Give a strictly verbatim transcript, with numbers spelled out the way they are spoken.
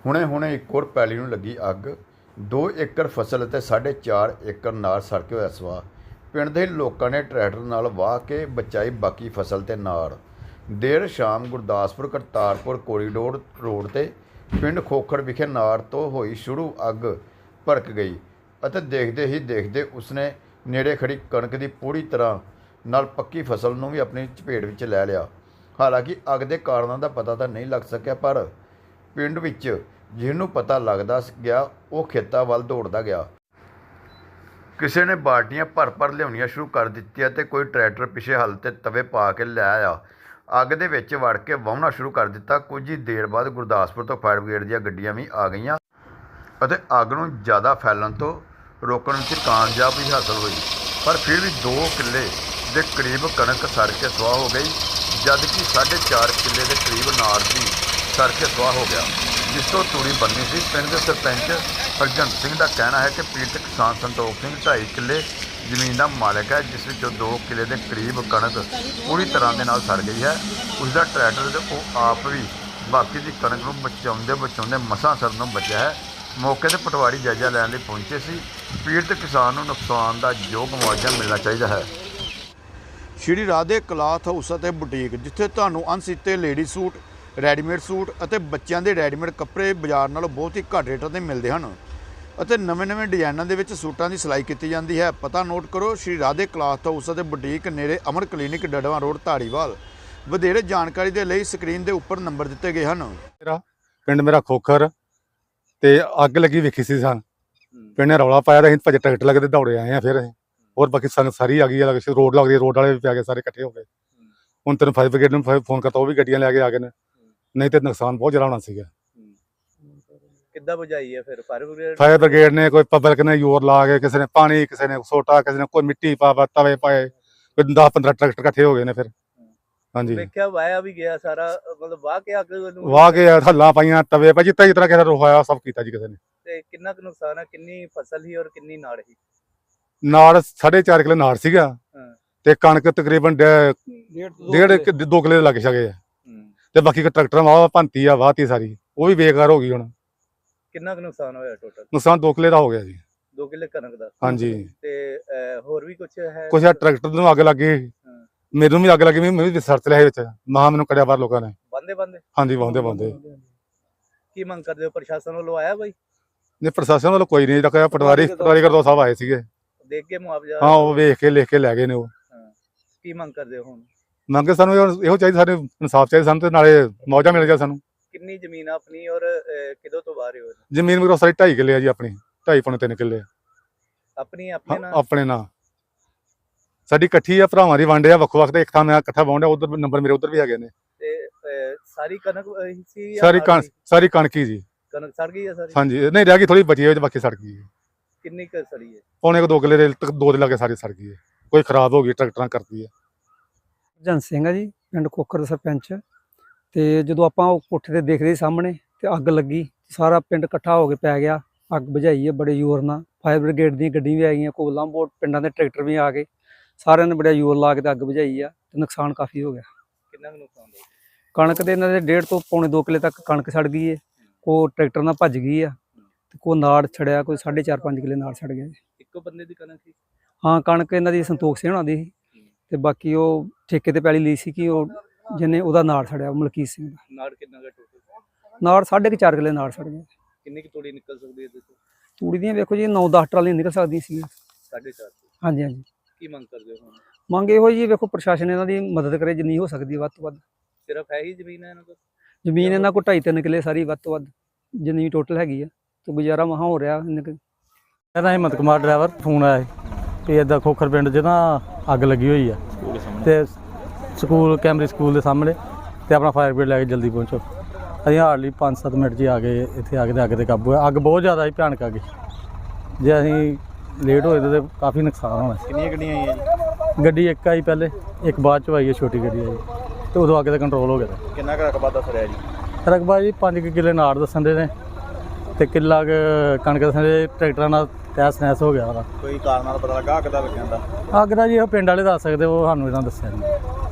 ਹੁਣੇ ਹੁਣੇ ਇੱਕ ਹੋਰ ਪੈਲੀ ਨੂੰ ਲੱਗੀ ਅੱਗ। ਦੋ ਏਕੜ ਫਸਲ ਅਤੇ ਸਾਢੇ ਚਾਰ ਏਕੜ ਨਾੜ ਸੜ ਕੇ ਹੋਇਆ ਸਵਾਹ। ਪਿੰਡ ਦੇ ਲੋਕਾਂ ਨੇ ਟਰੈਕਟਰ ਨਾਲ ਵਾਹ ਕੇ ਬਚਾਈ ਬਾਕੀ ਫਸਲ ਤੇ ਨਾੜ। ਦੇਰ ਸ਼ਾਮ ਗੁਰਦਾਸਪੁਰ ਕਰਤਾਰਪੁਰ ਕੋਰੀਡੋਰ ਰੋਡ ਤੇ ਪਿੰਡ ਖੋਖਰ ਵਿਖੇ ਨਾੜ ਤੋਂ ਹੋਈ ਸ਼ੁਰੂ ਅੱਗ ਭੜਕ ਗਈ ਅਤੇ ਦੇਖਦੇ ਹੀ ਦੇਖਦੇ ਉਸਨੇ ਨੇੜੇ ਖੜੀ ਕਣਕ ਦੀ ਪੂਰੀ ਤਰ੍ਹਾਂ ਨਾਲ ਪੱਕੀ ਫਸਲ ਨੂੰ ਵੀ ਆਪਣੀ ਚਪੇਟ ਵਿੱਚ ਲੈ ਲਿਆ। ਹਾਲਾਂਕਿ ਅੱਗ ਦੇ ਕਾਰਨਾਂ ਦਾ ਪਤਾ ਤਾਂ ਨਹੀਂ ਲੱਗ ਸਕਿਆ, ਪਰ ਪਿੰਡ ਵਿੱਚ ਜਿਹਨੂੰ ਪਤਾ ਲੱਗਦਾ ਗਿਆ ਉਹ ਖੇਤਾਂ ਵੱਲ ਦੌੜਦਾ ਗਿਆ। ਕਿਸੇ ਨੇ ਬਾਲਟੀਆਂ ਭਰ ਭਰ ਲਿਆਉਣੀਆਂ ਸ਼ੁਰੂ ਕਰ ਦਿੱਤੀਆਂ ਅਤੇ ਕੋਈ ਟਰੈਕਟਰ ਪਿੱਛੇ ਹਲ 'ਤੇ ਤਵੇ ਪਾ ਕੇ ਲੈ ਆਇਆ। ਅੱਗ ਦੇ ਵਿੱਚ ਵੜ ਕੇ ਵਾਹੁਣਾ ਸ਼ੁਰੂ ਕਰ ਦਿੱਤਾ। ਕੁਝ ਹੀ ਦੇਰ ਬਾਅਦ ਗੁਰਦਾਸਪੁਰ ਤੋਂ ਫਾਇਰ ਬ੍ਰਿਗੇਡ ਦੀਆਂ ਗੱਡੀਆਂ ਵੀ ਆ ਗਈਆਂ ਅਤੇ ਅੱਗ ਨੂੰ ਜ਼ਿਆਦਾ ਫੈਲਣ ਤੋਂ ਰੋਕਣ ਵਿੱਚ ਕਾਮਯਾਬੀ ਹਾਸਲ ਹੋਈ, ਪਰ ਫਿਰ ਵੀ ਦੋ ਕਿੱਲੇ ਦੇ ਕਰੀਬ ਕਣਕ ਸੜ ਕੇ ਸੁਆਹ ਹੋ ਗਈ, ਜਦਕਿ ਸਾਢੇ ਚਾਰ ਕਿੱਲੇ ਦੇ ਕਰੀਬ ਨਾੜ ਵੀ ਸੜ ਕੇ ਸੁਆਹ ਹੋ ਗਿਆ, ਜਿਸ ਤੋਂ ਤੂੜੀ ਬਣਨੀ ਸੀ। ਪਿੰਡ ਦੇ ਸਰਪੰਚ ਹਰਜੰਤ ਸਿੰਘ ਦਾ ਕਹਿਣਾ ਹੈ ਕਿ ਪੀੜਤ ਕਿਸਾਨ ਸੰਤੋਖ ਸਿੰਘ ਢਾਈ ਕਿੱਲੇ ਜ਼ਮੀਨ ਦਾ ਮਾਲਕ ਹੈ, ਜਿਸ ਵਿੱਚੋਂ ਦੋ ਕਿੱਲੇ ਦੇ ਕਰੀਬ ਕਣਕ ਪੂਰੀ ਤਰ੍ਹਾਂ ਦੇ ਨਾਲ ਸੜ ਗਈ ਹੈ। ਉਸ ਦਾ ਟਰੈਕਟਰ ਤੇ ਉਹ ਆਪ ਵੀ ਬਾਕੀ ਦੀ ਕਣਕ ਨੂੰ ਬਚਾਉਂਦੇ ਬਚਾਉਂਦੇ ਮਸਾਂ ਸੜਨ ਨੂੰ ਬਚਿਆ ਹੈ। ਮੌਕੇ 'ਤੇ ਪਟਵਾਰੀ ਜਾਇਜ਼ਾ ਲੈਣ ਲਈ ਪਹੁੰਚੇ ਸੀ। ਪੀੜਤ ਕਿਸਾਨ ਨੂੰ ਨੁਕਸਾਨ ਦਾ ਯੋਗ ਮੁਆਵਜ਼ਾ ਮਿਲਣਾ ਚਾਹੀਦਾ ਹੈ। ਸ਼੍ਰੀ ਰਾਧੇ ਕਲਾਥ ਹਾਊਸ ਅਤੇ ਬੁਟੀਕ, ਜਿੱਥੇ ਤੁਹਾਨੂੰ ਅਣਸੀਤੇ ਲੇਡੀ ਸੂਟ, ਰੈਡੀਮੇਡ ਸੂਟ ਅਤੇ ਬੱਚਿਆਂ ਦੇ ਰੈਡੀਮੇਡ ਕੱਪੜੇ ਬਾਜ਼ਾਰ ਨਾਲੋਂ ਬਹੁਤ ਹੀ ਘੱਟ ਰੇਟਾਂ 'ਤੇ ਮਿਲਦੇ ਹਨ ਅਤੇ ਨਵੇਂ-ਨਵੇਂ ਡਿਜ਼ਾਈਨਾਂ ਦੇ ਵਿੱਚ ਸੂਟਾਂ ਦੀ ਸਿਲਾਈ ਕੀਤੀ ਜਾਂਦੀ ਹੈ। ਪਤਾ ਨੋਟ ਕਰੋ, ਸ਼੍ਰੀ ਰਾਧੇ ਕਲਾਥ ਹਾਊਸ ਅਤੇ ਬੁਟੀਕ, ਨੇੜੇ ਅਮਰ ਕਲੀਨਿਕ, ਡੜਵਾ ਰੋਡ, ਧਾਰੀਵਾਲ। ਵਧੇਰੇ ਜਾਣਕਾਰੀ ਦੇ ਲਈ ਸਕਰੀਨ ਦੇ ਉੱਪਰ ਨੰਬਰ ਦਿੱਤੇ ਗਏ ਹਨ। ਮੇਰਾ ਪਿੰਡ ਮੇਰਾ ਖੋਖਰ ਤੇ ਅੱਗ ਲੱਗੀ ਵੇਖੀ ਸੀ ਸਾਂ। ਪਿੰਡ ਨੇ ਰੌਲਾ ਪਾਇਆ, ਅਸੀਂ ਭੱਜ ਟਰੈਕਟਰ ਲੱਗੇ ਤੇ ਦੌੜੇ ਆਏ ਆ। ਫਿਰ ਅਸੀਂ ਹੋਰ ਬਾਕੀ ਸੰਗਤ ਸਾਰੀ ਆ ਗਈ ਹੈ, ਰੋਡ ਲੱਗਦੀ, ਰੋਡ ਵਾਲੇ ਵੀ ਪੈ ਗਏ, ਸਾਰੇ ਇਕੱਠੇ ਹੋ ਗਏ। ਹੁਣ ਤੈਨੂੰ ਫਾਇਰ ਬ੍ਰਿਗੇਡ ਨੂੰ ਫੋਨ ਕਰਤਾ, ਉਹ ਵੀ ਗੱਡੀਆਂ ਲੈ ਕੇ ਆ ਗਏ ਨੇ, ਨਹੀਂ ਤੇ ਨੁਕਸਾਨ ਬਹੁਤ ਜ਼ਿਆਦਾ ਹੋਣਾ ਸੀਗਾ। ਕਿੱਦਾਂ ਬੁਝਾਈ ਹੈ ਫਿਰ ਫਾਇਰ ਬ੍ਰਿਗੇਡ? ਫਾਇਰ ਬ੍ਰਿਗੇਡ ਨੇ ਕੋਈ ਪਬਲਿਕ ਨੇ ਜ਼ੋਰ ਲਾ ਕੇ, ਕਿਸੇ ਨੇ ਪਾਣੀ, ਕਿਸੇ ਨੇ ਸੋਟਾ, ਕਿਸੇ ਨੇ ਕੋਈ ਮਿੱਟੀ ਪਾ ਪਾ ਤਵੇ ਪਾਏ, ਕੋਈ ਦਸ ਪੰਦਰਾਂ ਟਰੈਕਟਰ ਇਕੱਠੇ ਹੋ ਗਏ ਨੇ। ਫਿਰ ਹਾਂਜੀ ਵੇਖਿਆ ਵਾਇਆ ਵੀ ਗਿਆ ਸਾਰਾ, ਮਤਲਬ ਵਾਹ ਕੇ ਅੱਗ ਨੂੰ ਵਾਹ ਕੇ ਹੱਲਾਂ ਪਾਈਆਂ, ਤਵੇ ਪਾ ਜਿੱਤਾ ਜਿਸ ਤਰ੍ਹਾਂ ਕਿਸੇ ਦਾ ਹੋਇਆ ਸਭ ਕੀਤਾ ਜੀ ਕਿਸੇ ਨੇ। ਤੇ ਕਿੰਨਾ ਕੁ ਨੁਕਸਾਨ ਹੈ? ਕਿੰਨੀ ਫਸਲ ਸੀ ਔਰ ਕਿੰਨੀ ਨਾੜ ਸੀ? ਨਾੜ ਸਾਢੇ ਚਾਰ ਕਿੱਲੇ ਨਾੜ ਸੀਗਾ ਤੇ ਕਣਕ ਤਕਰੀਬਨ ਡੇਢ ਦੋ ਕਿੱਲੇ ਲੱਗ ਸਕੇ ਤੇ ਬਾਕੀ ਟਰੈਕਟਰ ਵਾਹ ਭੰਤੀ ਆ, ਵਾਹਤੀ ਸਾਰੀ, ਉਹ ਵੀ ਬੇਕਾਰ ਹੋ ਗਈ। ਹੁਣ ਕਿੰਨਾ ਕੁ ਨੁਕਸਾਨ ਹੋਇਆ ਟੋਟਲ? ਨੁਕਸਾਨ ਦੋ ਕਿੱਲੇ ਦਾ ਹੋ ਗਿਆ ਜੀ। ਦੋ ਕਿੱਲੇ ਕਣਕ ਦਾ? ਹਾਂਜੀ। ਤੇ ਹੋਰ ਵੀ ਕੁਝ ਹੈ? ਕੁਛ ਟਰੈਕਟਰ ਨੂੰ ਅੱਗ ਲੱਗ ਗਈ, ਮੈਨੂੰ ਵੀ ਅੱਗ ਲੱਗੀ, ਮੈਂ ਵੀ ਸਰਚ ਲਿਆ ਵਿੱਚ, ਮਹਾ ਮੈਨੂੰ ਕੜਿਆ ਬਾਹਰ ਲੋਕਾਂ ਨੇ। ਬੰਦੇ ਬੰਦੇ ਹਾਂਜੀ ਵਾਹੁੰਦੇ ਵਾਹੁੰਦੇ। ਕੀ ਮੰਗ ਕਰਦੇ ਹੋ? ਪ੍ਰਸ਼ਾਸਨ ਵੱਲੋਂ ਆਇਆ ਬਾਈ? ਨਹੀਂ, ਪ੍ਰਸ਼ਾਸਨ ਵੱਲੋਂ ਕੋਈ ਨਹੀਂ ਰੱਖਿਆ। ਪਟਵਾਰੀ ਪਟਵਾਰੀ ਕਰਦੋ ਸਾਹਿਬ ਆਏ ਸੀਗੇ, ਦੇਖ ਕੇ ਮੁਆਵਜ਼ਾ? ਹਾਂ, ਉਹ ਵੇਖ ਕੇ ਲਿਖ ਕੇ ਲੈ ਗਏ ਨੇ। ਉਹ ਕੀ ਮੰਗ ਕਰਦੇ ਹੋ ਹੁਣ? ਮੰਗੇ ਸਾਨੂੰ ਇਹੋ ਚਾਹੀਦਾ, ਸਾਨੂੰ ਇਨਸਾਫ ਚਾਹੀਦਾ ਸਾਨੂੰ, ਤੇ ਨਾਲੇ ਮੁਆਵਜ਼ਾ ਮਿਲ ਜਾ ਸਾਨੂੰ। ਕਿੰਨੀ ਜ਼ਮੀਨ ਆਪਣੀ ਔਰ ਕਿਦੋਂ ਤੋਂ ਬਾਹਰ ਹੋ? ਜ਼ਮੀਨ ਮੇਰੀ ਸਾਰੀ ਢਾਈ ਕਿੱਲੇ ਆ ਜੀ, ਆਪਣੀ ਢਾਈ ਪੌਣੇ ਤਿੰਨ ਕਿੱਲੇ ਆਪਣੀ ਆਪਣੇ ਨਾਲ? ਆਪਣੇ ਨਾਲ ਸਾਡੀ ਇਕੱਠੀ ਆ, ਭਰਾਵਾਂ ਦੀ ਵੰਡ ਆ, ਵੱਖੋ ਵੱਖ ਤੇ ਇੱਕ ਥਾਂ ਮੈਂ ਇਕੱਠਾ ਵਾਹੁੰਦਾ, ਉਧਰ ਨੰਬਰ ਮੇਰੇ ਉਧਰ ਵੀ ਹੈਗੇ ਨੇ। ਤੇ ਸਾਰੀ ਕਣਕ ਸੀ? ਸਾਰੀ ਕਣਕ ਸਾਰੀ ਕਣਕ ਹੀ ਜੀ। ਕਣਕ ਸੜ ਗਈ ਹੈ ਸਾਰੀ? ਹਾਂਜੀ, ਨਹੀਂ ਰਹਿ ਗਈ ਥੋੜੀ ਬਚੀ ਹੈ, ਬਾਕੀ ਸੜ ਗਈ। ਕਿੰਨੀ ਕੁ ਸੜੀ ਹੈ? ਪੌਣੇ ਕੁ ਦੋ ਕਿੱਲੇ ਦੇ, ਦੋ ਦੇ ਲਾਗੇ ਸਾਰੀ ਸੜ ਗਈ ਹੈ, ਕੋਈ ਖਰਾਬ ਹੋ ਗਈ, ਟਰੈਕਟਰਾਂ ਕਰਦੀ ਹੈ। ਹਰਜੰਤ ਸਿੰਘ ਆ ਜੀ, ਪਿੰਡ ਖੋਖਰ ਦਾ ਸਰਪੰਚ। ਤੇ ਜਦੋਂ ਆਪਾਂ ਉਹ ਕੋਠੇ ਤੇ ਦੇਖਦੇ ਸਾਹਮਣੇ ਤੇ ਅੱਗ ਲੱਗੀ, ਸਾਰਾ ਪਿੰਡ ਇਕੱਠਾ ਹੋ ਕੇ ਪੈ ਗਿਆ। ਅੱਗ ਬੁਝਾਈ ਹੈ ਬੜੇ ਜ਼ੋਰ ਨਾਲ, ਫਾਇਰ ਬ੍ਰਿਗੇਡ ਦੀਆਂ ਗੱਡੀਆਂ ਵੀ ਆ ਗਈਆਂ, ਕੋਲਾਂ ਬੋਟ ਪਿੰਡਾਂ ਦੇ ਟਰੈਕਟਰ ਵੀ ਆ ਗਏ, ਸਾਰਿਆਂ ਨੇ ਬੜਾ ਜ਼ੋਰ ਲਾ ਕੇ ਤੇ ਅੱਗ ਬੁਝਾਈ ਆ ਤੇ ਨੁਕਸਾਨ ਕਾਫੀ ਹੋ ਗਿਆ। ਕਿੰਨਾ ਕੁ ਨੁਕਸਾਨ ਹੋਇਆ? ਕਣਕ ਦੇ ਇਹਨਾਂ ਦੇ ਡੇਢ ਤੋਂ ਪੌਣੇ ਦੋ ਕਿੱਲੇ ਤੱਕ ਕਣਕ ਸੜ ਗਈ ਹੈ, ਕੋ ਟਰੈਕਟਰ ਨਾਲ ਭੱਜ ਗਈ ਆ ਤੇ ਕੋ ਨਾੜ ਛੜਿਆ, ਕੋਈ ਸਾਢੇ ਚਾਰ ਪੰਜ ਕਿੱਲੇ ਨਾੜ ਛੜ ਗਿਆ ਜੀ। ਇੱਕੋ ਬੰਦੇ ਦੀ ਕਣਕ ਸੀ? ਹਾਂ, ਕਣਕ ਇਹਨਾਂ ਦੀ ਸੰਤੋਖ ਸਿੰਘ ਹੋਣਾ ਦੀ ਸੀ ਤੇ ਬਾਕੀ ਉਹ ਠੇਕੇ ਤੇ ਪੈਲੀ ਲਈ ਸੀ ਕਿ ਉਹ ਜਿਹਨੇ ਉਹਦਾ ਨਾੜ ਛੜਿਆ, ਮਲਕੀਤ ਸਿੰਘ ਦਾ। ਨਾੜ ਕਿੰਨਾ ਕੁ ਟੋਟਲ? ਨਾੜ ਸਾਢੇ ਕੁ ਚਾਰ ਕਿੱਲੇ ਨਾੜ ਛੜ ਗਿਆ। ਕਿੰਨੀ ਕੁ ਤੂੜੀ ਨਿਕਲ ਸਕਦੀ ਹੈ ਇਹਦੇ ਤੋਂ? ਤੂੜੀ ਦੀਆਂ ਵੇਖੋ ਜੀ ਨੌ ਦਸ ਟਰਾਲੀਆਂ ਨਿਕਲ ਸਕਦੀਆਂ ਸੀ। ਸਾਢੇ ਚਾਰ? ਹਾਂਜੀ ਹਾਂਜੀ। ਕੀ ਮੰਗ ਕਰਦੇ ਹੋ ਹੁਣ? ਮੰਗ ਇਹੋ ਜੀ, ਵੇਖੋ ਪ੍ਰਸ਼ਾਸਨ ਇਹਨਾਂ ਦੀ ਮਦਦ ਕਰੇ ਜਿੰਨੀ ਹੋ ਸਕਦੀ ਵੱਧ ਤੋਂ ਵੱਧ। ਸਿਰਫ ਹੈ ਹੀ ਜ਼ਮੀਨ ਹੈ ਇਹਨਾਂ ਕੋਲ? ਜ਼ਮੀਨ ਇਹਨਾਂ ਕੋਲ ਢਾਈ ਤਿੰਨ ਕਿੱਲੇ ਸਾਰੀ ਵੱਧ ਤੋਂ ਵੱਧ ਜਿੰਨੀ ਟੋਟਲ ਹੈਗੀ ਆ, ਤੇ ਗੁਜ਼ਾਰਾ ਮਹਾ ਹੋ ਰਿਹਾ। ਮੇਰਾ ਹਿੰਮਤ ਕੁਮਾਰ ਡਰਾਈਵਰ। ਫੋਨ ਆਇਆ ਕਿ ਇੱਦਾਂ ਖੋਖਰ ਪਿੰਡ 'ਚ ਨਾ ਅੱਗ ਲੱਗੀ ਹੋਈ ਆ ਤੇ ਸਕੂਲ ਕੈਮਰੀ ਸਕੂਲ ਦੇ ਸਾਹਮਣੇ, ਤੇ ਆਪਣਾ ਫਾਇਰ ਬ੍ਰਿਗੇਡ ਲੈ ਕੇ ਜਲਦੀ ਪਹੁੰਚੋ। ਅਸੀਂ ਹਾਰਡਲੀ ਪੰਜ ਸੱਤ ਮਿੰਟ 'ਚ ਆ ਗਏ ਇੱਥੇ, ਆ ਕੇ ਤੇ ਅੱਗ 'ਤੇ ਕਾਬੂ ਹੈ। ਅੱਗ ਬਹੁਤ ਜ਼ਿਆਦਾ ਹੀ ਭਿਆਨਕ ਆ ਗਈ, ਜੇ ਅਸੀਂ ਲੇਟ ਹੋਏ ਤਾਂ ਕਾਫੀ ਨੁਕਸਾਨ ਹੋਣਾ। ਕਿੰਨੀਆਂ ਗੱਡੀਆਂ ਆਈਆਂ ਜੀ? ਗੱਡੀ ਇੱਕ ਆਈ ਪਹਿਲੇ, ਇੱਕ ਬਾਅਦ 'ਚ ਆਈ ਹੈ, ਛੋਟੀ ਗੱਡੀ ਆਈ, ਤੇ ਉਦੋਂ ਅੱਗ 'ਤੇ ਕੰਟਰੋਲ ਹੋ ਗਿਆ। ਕਿੰਨਾ ਕੁ ਰਕਬਾ ਦੱਸ ਰਿਹਾ ਜੀ? ਰਕਬਾ ਜੀ ਪੰਜ ਕੁ ਕਿੱਲੇ ਨਾੜ ਦੱਸਣ ਦੇ ਨੇ ਤੇ ਕਿੱਲਾ ਕੁ ਕਣਕ ਦੱਸਣ ਦੇ। ਟਰੈਕਟਰਾਂ ਨਾਲ ਤਹਿਸ ਨਹਿਸ ਹੋ ਗਿਆ ਉਹਦਾ। ਕੋਈ ਕਾਰਨ ਨਾਲ ਪਤਾ ਲੱਗਾ ਅੱਗ ਦਾ ਲੱਗਣ ਦਾ? ਅੱਗ ਦਾ ਜੀ ਉਹ ਪਿੰਡ ਵਾਲੇ ਦੱਸ ਸਕਦੇ, ਉਹ ਸਾਨੂੰ ਇਹਨਾਂ ਦੱਸਿਆ ਨਹੀਂ।